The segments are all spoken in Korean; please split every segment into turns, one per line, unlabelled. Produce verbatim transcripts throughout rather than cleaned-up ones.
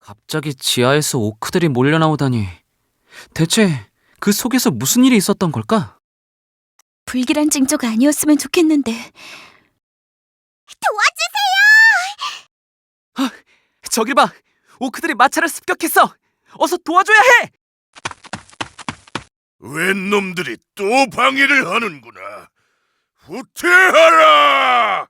갑자기 지하에서 오크들이 몰려나오다니. 대체 그 속에서 무슨 일이 있었던 걸까?
불길한 징조가 아니었으면 좋겠는데.
저길 봐! 오크들이 마차를 습격했어! 어서 도와줘야 해!
웬 놈들이 또 방해를 하는구나. 후퇴하라!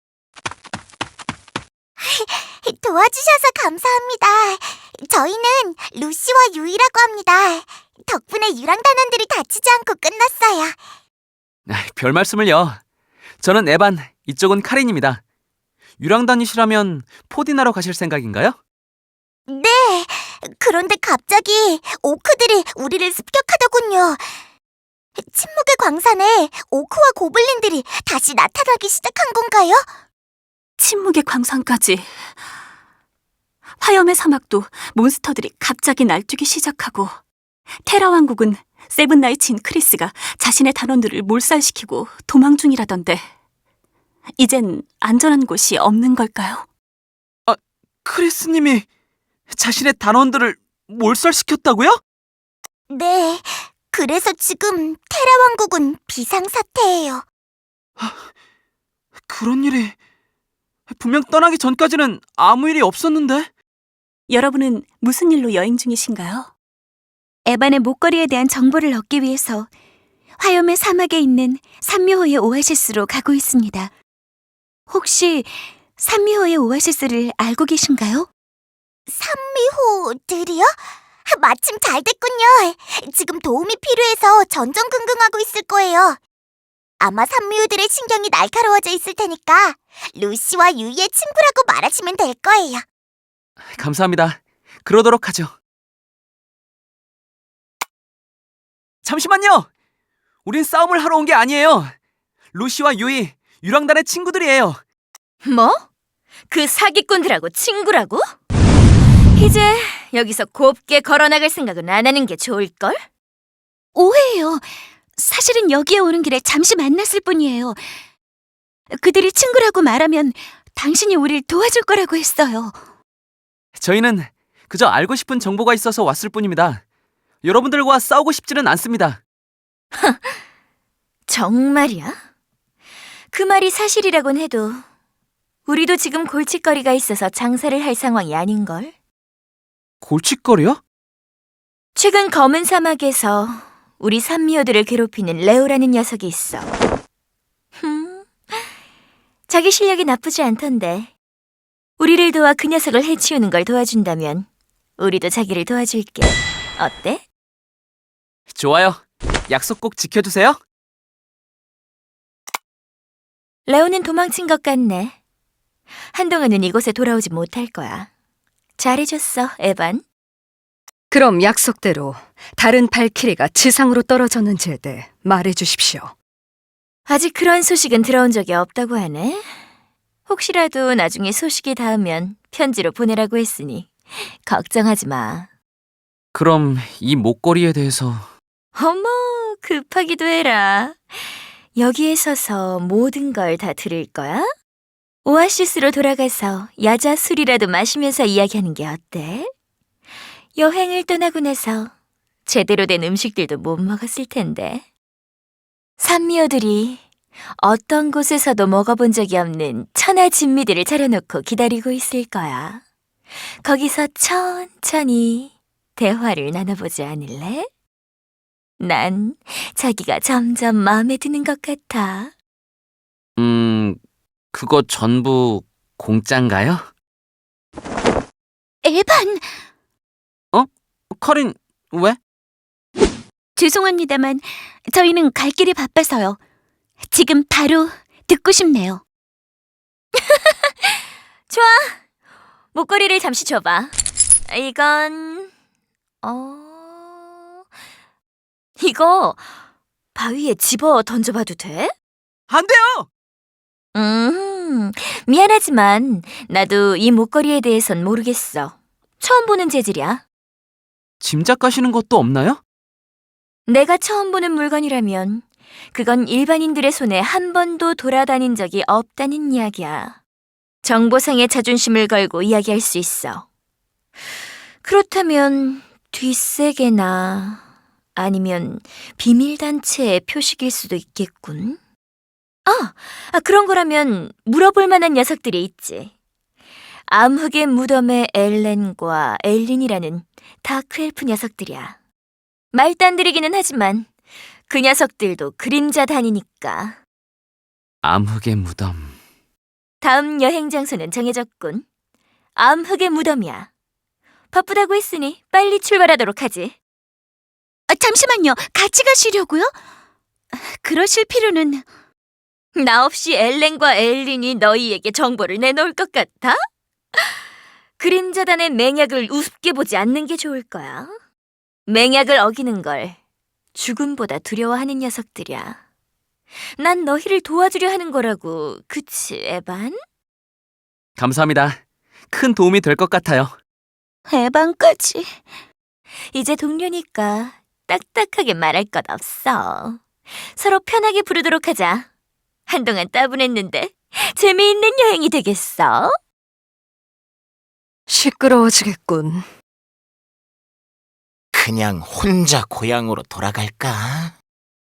도와주셔서 감사합니다. 저희는 루시와 유이라고 합니다. 덕분에 유랑단원들이 다치지 않고 끝났어요.
아, 별 말씀을요. 저는 에반, 이쪽은 카린입니다. 유랑단이시라면 포디나로 가실 생각인가요?
네, 그런데 갑자기 오크들이 우리를 습격하더군요. 침묵의 광산에 오크와 고블린들이 다시 나타나기 시작한 건가요?
침묵의 광산까지. 화염의 사막도 몬스터들이 갑자기 날뛰기 시작하고, 테라 왕국은 세븐나이츠인 크리스가 자신의 단원들을 몰살시키고 도망 중이라던데, 이젠 안전한 곳이 없는 걸까요?
크리스님이 자신의 단원들을 몰살시켰다고요?
네, 그래서 지금 테라 왕국은 비상사태예요.
그런 일이... 분명 떠나기 전까지는 아무 일이 없었는데?
여러분은 무슨 일로 여행 중이신가요?
에반의 목걸이에 대한 정보를 얻기 위해서 화염의 사막에 있는 산미호의 오아시스로 가고 있습니다. 혹시 산미호의 오아시스를 알고 계신가요?
산미호들이요? 마침 잘 됐군요. 지금 도움이 필요해서 전전긍긍하고 있을 거예요. 아마 산미호들의 신경이 날카로워져 있을 테니까 루시와 유이의 친구라고 말하시면 될 거예요.
감사합니다. 그러도록 하죠. 잠시만요! 우린 싸움을 하러 온 게 아니에요. 루시와 유이, 유랑단의 친구들이에요.
뭐? 그 사기꾼들하고 친구라고? 이제 여기서 곱게 걸어나갈 생각은 안 하는 게 좋을걸?
오해예요. 사실은 여기에 오는 길에 잠시 만났을 뿐이에요. 그들이 친구라고 말하면 당신이 우릴 도와줄 거라고 했어요.
저희는 그저 알고 싶은 정보가 있어서 왔을 뿐입니다. 여러분들과 싸우고 싶지는 않습니다.
정말이야? 그 말이 사실이라곤 해도 우리도 지금 골칫거리가 있어서 장사를 할 상황이 아닌걸?
골칫거리요?
최근 검은 사막에서 우리 산미호들을 괴롭히는 레오라는 녀석이 있어. 흠, 자기 실력이 나쁘지 않던데. 우리를 도와 그 녀석을 해치우는 걸 도와준다면 우리도 자기를 도와줄게. 어때?
좋아요. 약속 꼭 지켜주세요.
레오는 도망친 것 같네. 한동안은 이곳에 돌아오지 못할 거야. 잘해줬어, 에반.
그럼 약속대로 다른 발키리가 지상으로 떨어졌는지에 대해 말해주십시오.
아직 그런 소식은 들어온 적이 없다고 하네. 혹시라도 나중에 소식이 닿으면 편지로 보내라고 했으니 걱정하지 마.
그럼 이 목걸이에 대해서...
어머, 급하기도 해라. 여기에 서서 모든 걸 다 들을 거야? 오아시스로 돌아가서 야자 술이라도 마시면서 이야기하는 게 어때? 여행을 떠나고 나서 제대로 된 음식들도 못 먹었을 텐데. 산미호들이 어떤 곳에서도 먹어본 적이 없는 천하 진미들을 차려놓고 기다리고 있을 거야. 거기서 천천히 대화를 나눠보지 않을래? 난 자기가 점점 마음에 드는 것 같아.
음... 그거 전부 공짠가요?
에반!
카린, 왜?
죄송합니다만 저희는 갈 길이 바빠서요. 지금 바로 듣고 싶네요.
좋아. 목걸이를 잠시 줘봐. 이건... 어... 이거 바위에 집어 던져봐도 돼?
안 돼요!
음, 미안하지만 나도 이 목걸이에 대해선 모르겠어. 처음 보는 재질이야.
짐작 가시는 것도 없나요?
내가 처음 보는 물건이라면 그건 일반인들의 손에 한 번도 돌아다닌 적이 없다는 이야기야. 정보상의 자존심을 걸고 이야기할 수 있어. 그렇다면 뒷세계나 아니면 비밀단체의 표식일 수도 있겠군. 아, 아, 그런 거라면 물어볼 만한 녀석들이 있지. 암흑의 무덤의 엘렌과 엘린이라는 다크엘프 녀석들이야. 말단들이기는 하지만 그 녀석들도 그림자 단이니까.
암흑의 무덤.
다음 여행 장소는 정해졌군. 암흑의 무덤이야. 바쁘다고 했으니 빨리 출발하도록 하지.
아, 잠시만요. 같이 가시려고요? 그러실 필요는...
나 없이 엘렌과 엘린이 너희에게 정보를 내놓을 것 같아? 그림자단의 맹약을 우습게 보지 않는 게 좋을 거야. 맹약을 어기는 걸 죽음보다 두려워하는 녀석들이야. 난 너희를 도와주려 하는 거라고, 그치, 에반?
감사합니다. 큰 도움이 될 것 같아요.
에반까지...
이제 동료니까 딱딱하게 말할 것 없어. 서로 편하게 부르도록 하자. 한동안 따분했는데 재미있는 여행이 되겠어?
시끄러워지겠군.
그냥 혼자 고향으로 돌아갈까?